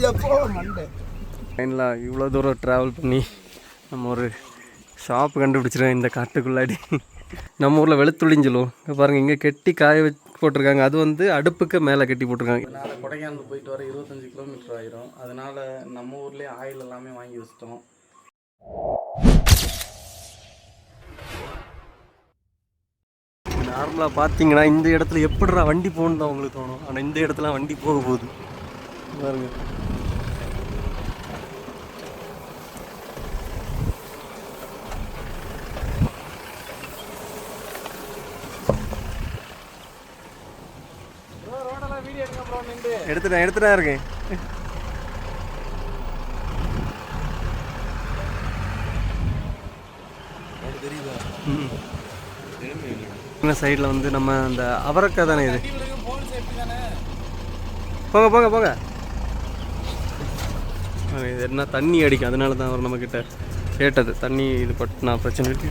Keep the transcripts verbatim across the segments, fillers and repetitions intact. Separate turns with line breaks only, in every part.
ட்ரெயினில் இவ்வளோ தூரம் ட்ராவல் பண்ணி நம்ம ஒரு ஷாப் கண்டுபிடிச்சிருக்கோம் இந்த காட்டுக்குள்ளாடி. நம்ம ஊரில் வெளுத்துளின்னு சொல்லுவோம். இங்கே பாருங்கள், இங்கே கெட்டி காய வச்சு போட்டிருக்காங்க. அது வந்து அடுப்புக்கு மேலே கட்டி போட்டிருக்காங்க. அதனால் கொடைக்கானல் போயிட்டு வர இருபத்தஞ்சி கிலோமீட்டர் ஆயிரும். அதனால் நம்ம ஊர்லேயே ஆயில் எல்லாமே வாங்கி வச்சிட்டோம். நார்மலாக பார்த்தீங்கன்னா இந்த இடத்துல எப்படிடா வண்டி போகணுன்னு தான் உங்களுக்கு தோணும். ஆனால் இந்த இடத்துல வண்டி போக போகுது பாருங்க. எடுத்துட்டேன் எடுத்துட்டேன் இருக்கேன். சைடில் வந்து நம்ம அந்த அவரக்காய் தானே இது. போங்க போங்க போங்க. இது என்ன தண்ணி அடிக்கும், அதனால தான் அவர் நம்மக்கிட்ட கேட்டது. தண்ணி இது பட்டு நான் பிரச்சனை இருக்கு.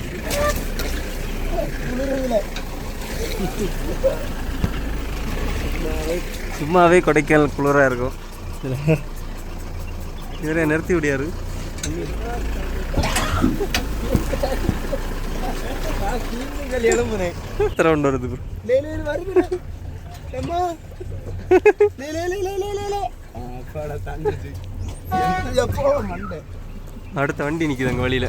சும்மாவே கொடைக்கானல் குளிராக இருக்கும். இவரே நிறுத்தி விடியாரு. ரவுண்ட் வருது. அடுத்த வண்டி நிக்குது அங்க வழியில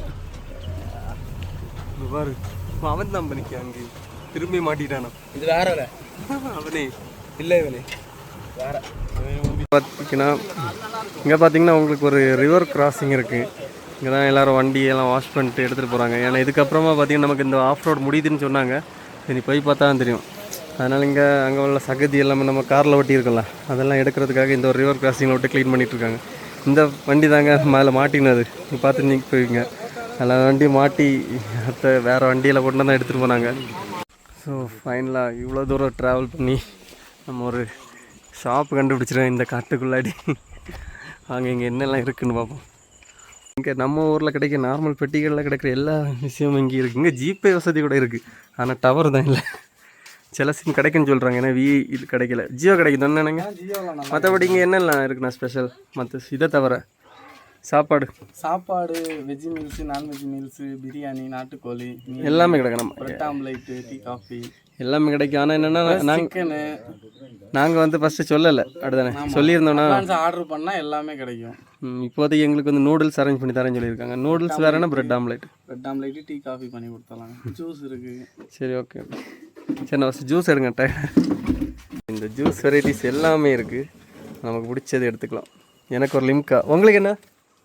பாரு. அவன் தான் நிக்க அங்கே திரும்பி மாட்டிட்டானா. இது வேற அவனே இல்லை இவனே வேற. பார்த்தீங்கன்னா இங்கே பார்த்தீங்கன்னா உங்களுக்கு ஒரு ரிவர் கிராசிங் இருக்குது. இங்கே தான் எல்லோரும் வண்டியெல்லாம் வாஷ் பண்ணிட்டு எடுத்துகிட்டு போகிறாங்க. ஏன்னா இதுக்கப்புறமா பார்த்தீங்கன்னா நமக்கு இந்த ஆஃப் ரோட் முடியுதுன்னு சொன்னாங்க. சரி போய் பார்த்தா தான் தெரியும். அதனால் இங்கே அங்கே உள்ள சகதி எல்லாமே நம்ம காரில் ஒட்டி இருக்கல, அதெல்லாம் எடுக்கிறதுக்காக இந்த ஒரு ரிவர் கிராசிங்கில் விட்டு க்ளீன் பண்ணிகிட்ருக்காங்க. இந்த வண்டி தாங்க மேலே மாட்டினது. நீங்கள் பார்த்து நீங்கள் போய்ங்க. அதில் வண்டி மாட்டி மற்ற வேறு வண்டியில் கொண்டு தான் எடுத்துகிட்டு போனாங்க. ஸோ ஃபைனலாக இவ்வளோ தூரம் ட்ராவல் பண்ணி நம்ம ஒரு ஷாப் கண்டுபிடிச்சிருக்கோம் இந்த காட்டுக்குள்ளாடி. அங்கே இங்கே என்னெல்லாம் இருக்குதுன்னு பார்ப்போம். இங்கே நம்ம ஊரில் கிடைக்க நார்மல் பெட்டிகளில் கிடைக்கிற எல்லா விஷயமும் இங்கே இருக்குது. இங்கே ஜிபே வசதி கூட இருக்குது, ஆனால் டவர் தான் இல்லை. சில சிம் கிடைக்குன்னு சொல்கிறாங்க. ஏன்னா வி இது கிடைக்கல. ஜியோ கிடைக்குது என்னங்க. மற்றபடி இங்கே என்னெல்லாம் இருக்குண்ணா ஸ்பெஷல் மற்ற இதை தவிர? சாப்பாடு
சாப்பாடு veg meals, non veg meals, biryani, நாட்டுக்கோழி
எல்லாமே கிடைக்கும். நம்ம
பிரெட் ஆம்லேட்டு, டீ காஃபி
எல்லாமே கிடைக்கும். ஆனால் என்னென்னா நாங்கள் நாங்கள் வந்து ஃபஸ்ட்டு சொல்லலை, அப்படிதானே சொல்லியிருந்தோன்னா
ஆர்டர் பண்ணால் எல்லாமே கிடைக்கும்.
இப்போதைக்கு எங்களுக்கு வந்து நூடுல்ஸ் அரேஞ்ச் பண்ணி தரேன்னு சொல்லியிருக்காங்க. நூடுல்ஸ் வேறுனா bread omelette.
Bread omelette, tea coffee பண்ணி கொடுத்தலாம். ஜூஸ் இருக்குது.
சரி ஓகே. சரி நான் ஃபஸ்ட்டு ஜூஸ் எடுங்கட்ட. இந்த ஜூஸ் வெரைட்டிஸ் எல்லாமே இருக்குது. நமக்கு பிடிச்சது எடுத்துக்கலாம். எனக்கு ஒரு லிம்கா. உங்களுக்கு என்ன?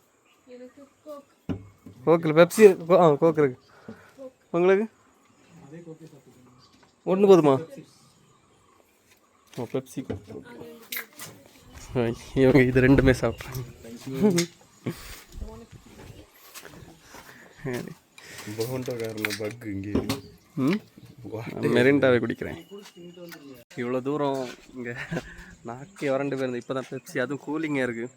கோக்கில் பெப்சி ஆ கோக் இருக்கு. உங்களுக்கு ஒன்று போதுமா? Oh Pepsi Coke. இவங்க இது ரெண்டுமே சாப்பிட்றாங்க. ம் மெரிண்டாவே குடிக்கிறேன். இவ்வளோ தூரம் இங்கே நாக்கே வறண்டு போயிருந்தேன். இப்போ தான் பெப்சி, அதுவும் கூலிங்காக இருக்குது.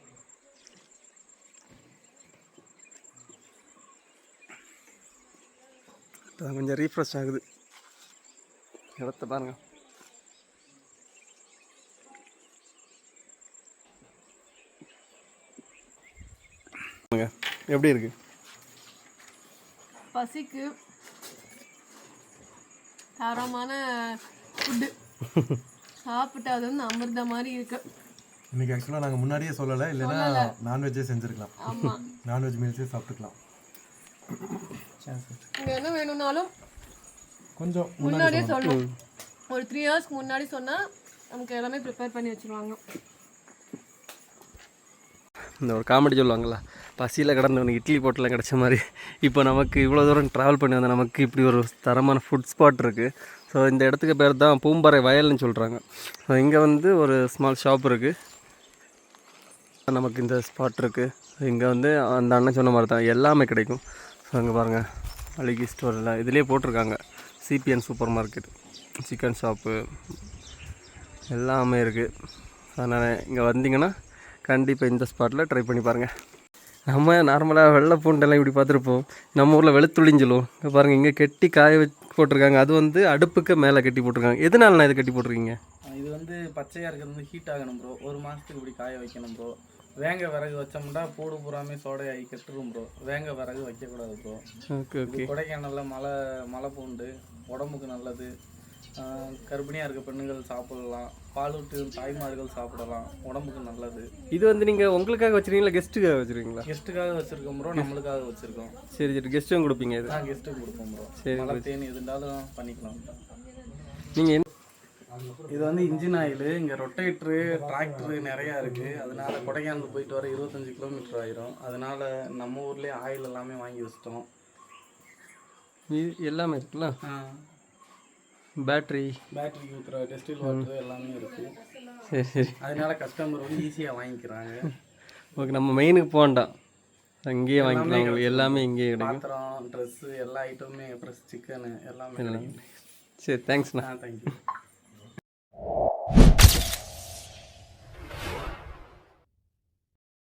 கொஞ்சம் ரீஃப்ரெஷ் ஆகுது. இடத்த பாருங்க. எப்படி இருக்கு?
பசிக்கு தரமான ஃபுட்டு சாப்பிட்டு அது வந்து அமிர்த மாதிரி இருக்கு.
இன்னைக்கு ஆக்சுவலாக நாங்கள் முன்னாடியே சொல்லலை, இல்லைன்னா நான்வெஜ்ஜே செஞ்சுருக்கலாம்.
ஆமாம்,
நான்வெஜ் மீல்ஸே சாப்பிட்டுக்கலாம்.
இங்கே என்ன வேணும்னாலும்
கொஞ்சம்
முன்னாடியே சொல்லணும். ஒரு த்ரீ ஹவர்ஸ்க்கு முன்னாடி சொன்னால் நமக்கு எல்லாமே ப்ரிப்பேர் பண்ணி வச்சுருவாங்க.
இந்த ஒரு காமெடி சொல்லுவாங்களா, பசியில் கிடந்தவனுக்கு இட்லி போட்டெலாம் கிடச்ச மாதிரி இப்போ நமக்கு இவ்வளோ தூரம் ட்ராவல் பண்ணி வந்தால் நமக்கு இப்படி ஒரு தரமான ஃபுட் ஸ்பாட் இருக்குது. ஸோ இந்த இடத்துக்கு பேர் தான் பூம்பாறை வயல்னு சொல்கிறாங்க. ஸோ இங்கே வந்து ஒரு ஸ்மால் ஷாப் இருக்குது. நமக்கு இந்த ஸ்பாட் இருக்குது. இங்கே வந்து அந்த அண்ணன் சொன்ன மாதிரி தான் எல்லாமே கிடைக்கும். ஸோ அங்கே பாருங்கள், அழகி ஸ்டோரில் இதுலேயே போட்டிருக்காங்க CBN super market, chicken shop எல்லாமே இருக்குது. அதனால் இங்கே வந்தீங்கன்னா கண்டிப்பாக இந்த ஸ்பாட்டில் ட்ரை பண்ணி பாருங்கள். நம்ம நார்மலாக வெள்ளை பூண்டெல்லாம் இப்படி பார்த்துருப்போம். நம்ம ஊரில் வெளுத்துளின்னு சொல்லுவோம். இங்கே பாருங்கள், இங்கே கெட்டி காய வச்சு போட்டிருக்காங்க. அது வந்து அடுப்புக்கு மேலே கட்டி போட்டிருக்காங்க. எதனால நான் இதை கட்டி போட்டிருக்கீங்க?
இது வந்து பச்சையாக இருக்கிறது வந்து ஹீட் ஆகணும் ப்ரோ. ஒரு மாதத்துக்கு இப்படி காய வைக்கணும் ப்ரோ. வேங்க விறகு வச்சோம்னா பூடு பூராமே சோடையாகி கெட்டுரும் ப்ரோ. வேங்க விறகு வைக்கக்கூடாது ப்ரோ.
Okay okay.
கொடைக்கானலில் மலை மலை பூண்டு உடம்புக்கு நல்லது. கர்ப்பிணியாக இருக்க பெண்ணுகள் சாப்பிடலாம். பாலூட்டு தாய்மார்கள் சாப்பிடலாம், உடம்புக்கு நல்லது.
இது வந்து நீங்கள் உங்களுக்காக வச்சுருக்கீங்களா கெஸ்ட்டுக்காக வச்சுருக்கீங்களா?
கெஸ்ட்டுக்காக வச்சுருக்கோம் ப்ரோ, நம்மளுக்காக வச்சுருக்கோம்.
சரி சரி. கெஸ்ட்டும் கொடுப்பீங்க இது?
நான் கெஸ்ட்டுக்கு கொடுப்போம் ப்ரோ.
சரி,
மழை தேனி எது இருந்தாலும் பண்ணிக்கலாம்.
நீங்கள்
இது வந்து இன்ஜின் ஆயில். இங்கே ரொட்டேட்ரு டிராக்டரு நிறையா இருக்குது. அதனால கொடைக்கானல் போயிட்டு வர இருபத்தஞ்சி கிலோமீட்டர் ஆயிரும். அதனால நம்ம ஊர்லேயே ஆயில் எல்லாமே வாங்கி வச்சிட்டோம்.
எல்லாமே இருக்குல்ல? பேட்ரி
பேட்டரிக்கு ஊற்றுற டெஸ்டில் வாட்டர் எல்லாமே இருக்குது.
சரி சரி.
அதனால கஸ்டமர் வந்து ஈஸியாக வாங்கிக்கிறாங்க.
ஓகே. நம்ம மெயினுக்கு போகண்டாம், அங்கேயே வாங்கிக்கலாம். உங்களுக்கு எல்லாமே இங்கேயே கிடைக்கும்.
பாத்திரம், ட்ரெஸ்ஸு எல்லா ஐட்டமுமே, ப்ளஸ் சிக்கனு எல்லாமே கிடைக்கும்.
சரி, தேங்க்ஸ்ண்ணா.
ஆ, தேங்க்யூ.